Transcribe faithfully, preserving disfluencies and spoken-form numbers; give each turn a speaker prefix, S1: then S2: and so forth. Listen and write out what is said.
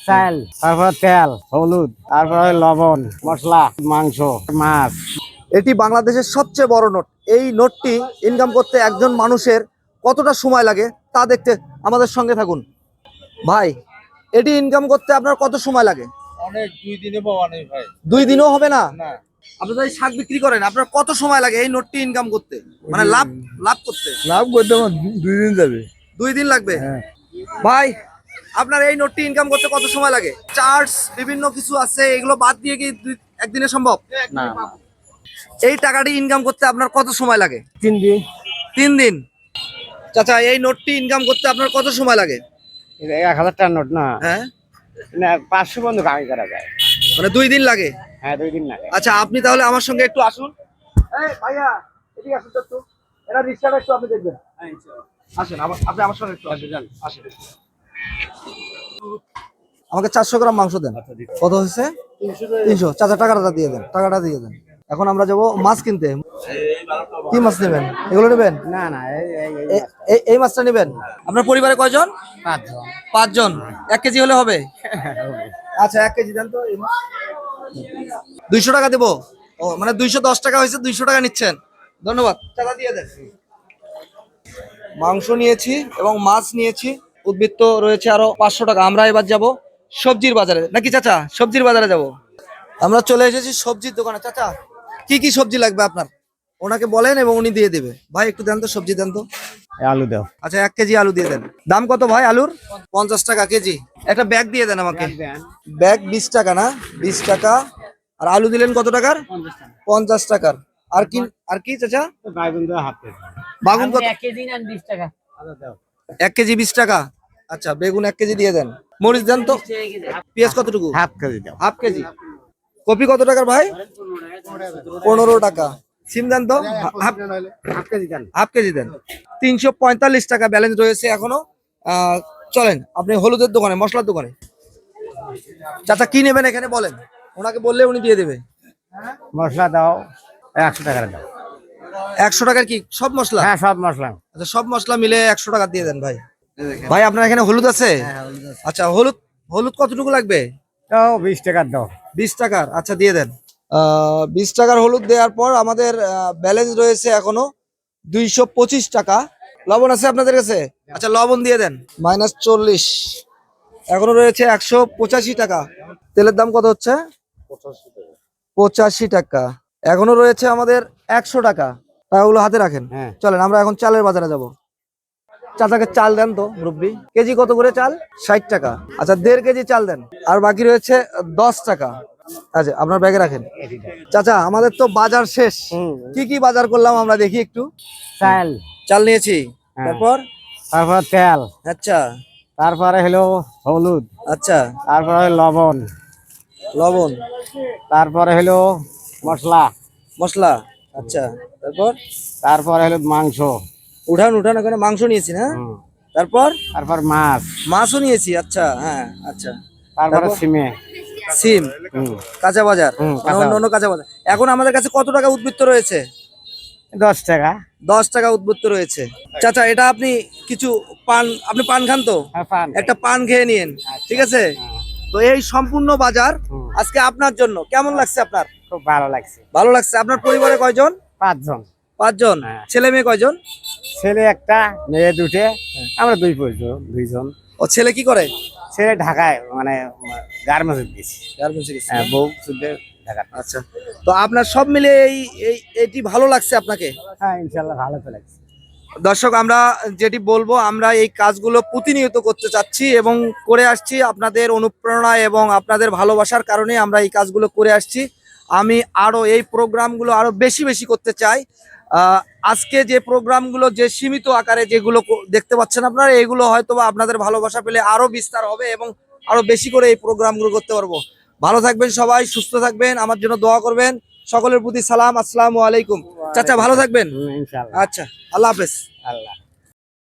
S1: চাল, তারপর তেল, হলুদ, তারপরে লবণ, মশলা, মাংস, মাছ।
S2: এটি বাংলাদেশের সবচেয়ে বড় নোট। এই নোটটি ইনকাম করতে একজন মানুষের কতটা সময় লাগে তা দেখতে আমাদের সঙ্গে থাকুন। ভাই, এটি ইনকাম করতে আপনার কত সময় লাগে?
S3: অনেক, দুই দিনে পাওয়া নেই ভাই।
S2: দুই দিনও হবে না?
S3: না।
S2: আপনি যদি শাক বিক্রি করেন আপনার কত সময় লাগে এই নোটটি ইনকাম করতে, মানে লাভ লাভ করতে?
S3: লাভ করতে আমার দুই দিন যাবে।
S2: দুই দিন লাগবে? ভাই, আপনার এই নোটটি ইনকাম করতে কত সময় লাগে? চার্জ বিভিন্ন কিছু আছে, এগুলো বাদ দিয়ে কি দুই- একদিনে সম্ভব?
S1: না,
S2: এই টাকাটি ইনকাম করতে আপনার কত সময় লাগে?
S1: তিন দিন।
S2: তিন দিন। চাচা, এই নোটটি ইনকাম করতে আপনার কত সময় লাগে?
S1: এটা এক হাজার টাকার নোট না?
S2: হ্যাঁ,
S1: না, পাঁচশো বন্ধু কামাই করা যায়।
S2: মানে দুই দিন লাগে?
S1: হ্যাঁ, দুই দিন লাগে।
S2: আচ্ছা, আপনি তাহলে আমার সঙ্গে একটু আসুন। এই ভাইয়া, এদিকে আসুন তো একটু। এটা রিকশাটা একটু আপনি দেখবেন। আসেন, আবার আপনি আমার সঙ্গে একটু আসেন। আসেন। আমাকে চারশো গ্রাম মাংস দেন। কত হয়েছে? তিনশো। চাচা, টাকাটা দিয়ে দেন, টাকাটা দিয়ে দেন। এখন আমরা যাবো মাছ কিনতে। কি মাছ নেবেন? এগুলো নেবেন?
S1: না না, এই এই- এই
S2: এ- এই এই মাছটা নেবেন? আপনার পরিবারে কয়জন?
S1: পাঁচজন।
S2: পাঁচজন। এক কেজি হলে হবে? আচ্ছা, এক কেজি দেন তো। এই মাছ দুইশো টাকা দেবো। ও, মানে দুইশো দশ টাকা হয়েছে, দুইশো টাকা নিচ্ছেন। ধন্যবাদ। টাকা দিয়ে দেন। মাংস নিয়েছি এবং মাছ নিয়েছি, উদ্বৃত্ত রয়েছে আরো পাঁচশো টাকা। আমরা এবার যাব সবজির বাজারে, নাকি চাচা? সবজির বাজারে যাব। আমরা চলে এসেছি সবজির দোকানে। চাচা, কি কি সবজি লাগবে আপনার? ওনাকে বলেন এবং উনি দিয়ে দেবে। ভাই, একটু দেন তো, সবজি দেন তো।
S1: এই আলু দাও।
S2: আচ্ছা, এক কেজি আলু দিয়ে দেন। দাম কত ভাই আলুর? পঞ্চাশ টাকা কেজি। একটা ব্যাগ দিয়ে দেন আমাকে। ব্যাগ বিশ টাকা না? বিশ টাকা। আর আলু দিলেন কত টাকার? পঞ্চাশ টাকার। আর কি আর কি চাচা?
S1: বাইগুন দাও হাফ কেজি।
S2: বাগুন কত?
S1: এক কেজি না বিশ টাকা। আচ্ছা দাও।
S2: এক কেজি বিশ টাকা। আচ্ছা, বেগুন এক কেজি দিয়ে দেন। মরিচ দেন তো। পেঁয়াজ কতটুকু?
S1: হাফ কেজি দাও।
S2: Half kg. কপি কত টাকার ভাই? পনেরো টাকা। সিম দেন তো। হাফ
S1: হাফ কেজি দেন।
S2: হাফ কেজি দেন। তিনশো পঁয়তাল্লিশ টাকা ব্যালেন্স রয়েছে এখনো। আহ, চলেন আপনি হলুদের দোকানে, মশলার দোকানে। চাচা, কি নেবেন এখানে বলেন, ওনাকে বললে উনি দিয়ে দেবে।
S1: মশলা দাও একশো টাকার দাও।
S2: একশো টাকার কি সব মশলা?
S1: হ্যাঁ, সব মশলা।
S2: আচ্ছা, সব মশলা মিলে একশো টাকা দিয়ে দেন ভাই। ভাই, আপনার এখানে হলুদ আছে? আচ্ছা, হলুদ হলুদ কতটুকু লাগবে?
S1: দাও বিশ টাকার দাও।
S2: বিশ টাকার। আচ্ছা, দিয়ে দেন। আহ বিশ টাকার হলুদ দেওয়ার পর আমাদের ব্যালেন্স রয়েছে এখনো দুইশো পঁচিশ টাকা। লবণ আছে আপনাদের কাছে? আচ্ছা, লবণ দিয়ে দেন। মাইনাস চল্লিশ। এখনো রয়েছে একশো পঁচাশি টাকা। তেলের দাম কত হচ্ছে? পঁচাশি টাকা। এখনো রয়েছে আমাদের একশো টাকা। টাকাগুলো হাতে রাখেন।
S1: হ্যাঁ।
S2: চলেন আমরা এখন চালের বাজারে যাব। চাচাকে চাল দেন তো মুরব্বি। কেজি কত করে চাল? ষাট টাকা। আচ্ছা, দেড় কেজি চাল দেন। আর বাকি রয়েছে দশ টাকা। আচ্ছা, আপনার ব্যাগে রাখেন। চাচা, আমাদের তো বাজার শেষ। কি কি বাজার করলাম আমরা দেখি একটু।
S1: চাল,
S2: চাল নিয়েছি।
S1: হ্যাঁ।
S2: তারপর?
S1: তারপর তেল,
S2: আচ্ছা।
S1: তারপরে হলো হলুদ,
S2: আচ্ছা,
S1: তারপরে লবণ,
S2: লবণ,
S1: তারপরে হলো মশলা,
S2: মশলা। আচ্ছা, তারপর?
S1: তারপরে হলো মাংস,
S2: উঠান উঠান, ওখানে মাংস নিয়েছি না?
S1: হুম,
S2: তারপর?
S1: তারপর মাছ,
S2: মাছও নিয়েছি। আচ্ছা, হ্যাঁ, আচ্ছা।
S1: তারপরে
S2: তারপর?
S1: সিমে,
S2: সিম,
S1: হুম,
S2: কাঁচা বাজার,
S1: হুম,
S2: মানে
S1: কাঁচা
S2: অন্য অন্য কাঁচা বাজার। এখন আমাদের কাছে কত টাকা উদ্বৃত্ত রয়েছে?
S1: দশ টাকা।
S2: দশ টাকা উদ্বৃত্ত রয়েছে। চাচা, এটা আপনি কিছু পান, আপনি পান খান তো?
S1: হ্যাঁ, পান।
S2: একটা পান খেয়ে নিন, ঠিক আছে? তো এই সম্পূর্ণ বাজার
S1: হুম।
S2: আজকে আপনার জন্য। কেমন লাগছে আপনার?
S1: খুব ভালো লাগছে।
S2: ভালো লাগছে। আপনার পরিবারে কয়জন?
S1: পাঁচজন।
S2: পাঁচজন।
S1: হ্যাঁ।
S2: ছেলে মেয়ে কয়জন?
S1: ছেলে একটা, মেয়ে দুটে, আমরা দুই পরিজন, দুইজন।
S2: ও, ছেলে কি করে?
S1: ছেলে ঢাকায়, মানে গার্মেন্টস গেছি।
S2: গার্মেন্টসে গেছে।
S1: হ্যাঁ, বউ শুদ্ধ ঢাকা।
S2: আচ্ছা, তো আপনার সব মিলে এই এই এটি ভালো লাগছে আপনাকে?
S1: হ্যাঁ, ইনশাল্লাহ ভালো তো লাগছে।
S2: দর্শক, আমরা যেটি বলবো, আমরা এই কাজগুলো প্রতিনিয়ত করতে চাচ্ছি এবং করে আসছি আপনাদের অনুপ্রেরণা এবং আপনাদের ভালোবাসার কারণে আমরা এই কাজগুলো করে আসছি। আমি আরো এই প্রোগ্রামগুলো আরো বেশি বেশি করতে চাই। আহ, আজকে যে প্রোগ্রামগুলো যে সীমিত আকারে যেগুলো ক- দেখতে পাচ্ছেন আপনারা, এগুলো হয়তো বা আপনাদের ভালোবাসা পেলে আরো বিস্তার হবে এবং আরো বেশি করে এই প্রোগ্রামগুলো করতে পারবো। ভালো থাকবেন সবাই, সুস্থ থাকবেন, আমার জন্য দোয়া করবেন। সকলের প্রতি সালাম, আসসালামু আলাইকুম। চাচা, ভালো থাকবেন।
S1: হুম, ইনশাল্লাহ।
S2: আচ্ছা, আল্লাহ হাফেজ।
S1: আল্লাহ।